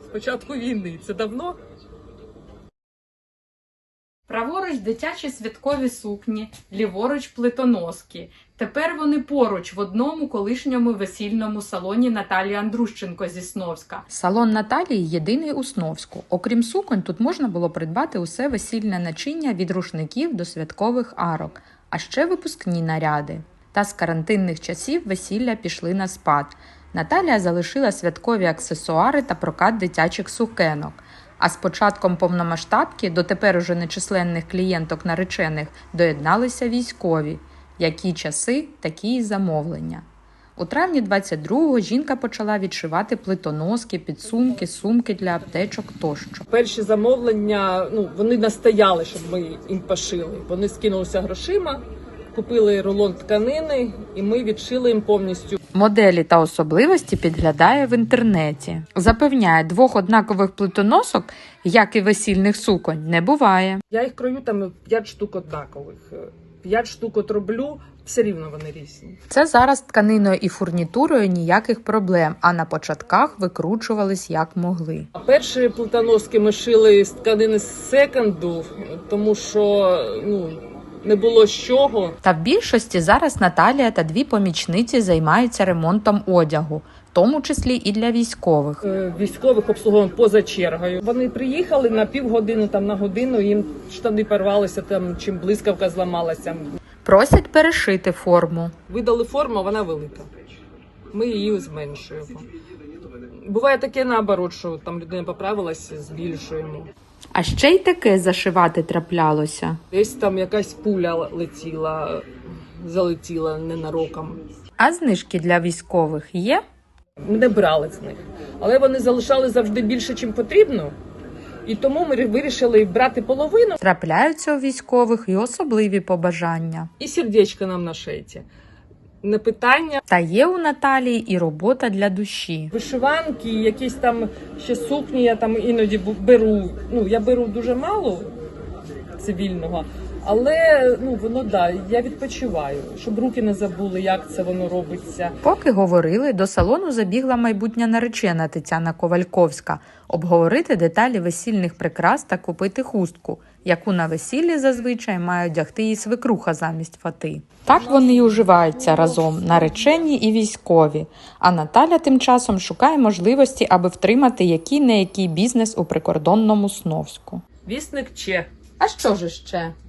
початку війни. Це давно. Праворуч дитячі святкові сукні, ліворуч плитоноски. Тепер вони поруч в одному колишньому весільному салоні Наталії Андрущенко зі Сновська. Салон Наталії єдиний у Сновську. Окрім суконь, тут можна було придбати усе весільне начиння від рушників до святкових арок, а ще випускні наряди. Та з карантинних часів весілля пішли на спад. Наталія залишила святкові аксесуари та прокат дитячих сукенок. А з початком повномасштабки до тепер уже нечисленних клієнток наречених доєдналися військові. Які часи, такі й замовлення. У травні 22-го жінка почала відшивати плитоноски, підсумки, сумки для аптечок тощо. Перші замовлення, вони настояли, щоб ми їм пошили. Вони скинулися грошима, купили рулон тканини і ми відшили їм повністю. Моделі та особливості підглядає в інтернеті. Запевняє, двох однакових плитоносок, як і весільних суконь, не буває. Я їх крою там 5 штук однакових. 5 штук от роблю, все рівно вони різні. Це зараз тканиною і фурнітурою ніяких проблем, а на початках викручувались як могли. А перші плитоноски ми шили з тканини з секонду, тому що не було з чого. Та в більшості зараз Наталія та дві помічниці займаються ремонтом одягу, в тому числі і для військових. Військових обслуговуємо поза чергою. Вони приїхали на півгодини, там на годину, їм штани порвалися, там чим блискавка зламалася. Просять перешити форму. Видали форму, вона велика. Ми її зменшуємо. Буває таке наоборот, що там людина поправилася, збільшуємо. А ще й таке зашивати траплялося. Десь там якась пуля залетіла ненароком. А знижки для військових є? Ми не брали з них. Але вони залишали завжди більше, ніж потрібно. І тому ми вирішили брати половину. Трапляються у військових і особливі побажання. І сердечко нам на шейті. Не питання. Та є у Наталії і робота для душі. Вишиванки, якісь там ще сукні я там іноді беру. Я беру дуже мало цивільного, але воно я відпочиваю, щоб руки не забули, як це воно робиться. Поки говорили, до салону забігла майбутня наречена Тетяна Ковальковська обговорити деталі весільних прикрас та купити хустку, яку на весіллі зазвичай має одягти її свекруха замість фати. Так вони й уживаються разом, наречені і військові. А Наталя тим часом шукає можливості, аби втримати який-не-який бізнес у прикордонному Сновську. Вісник Че. А що ж ще?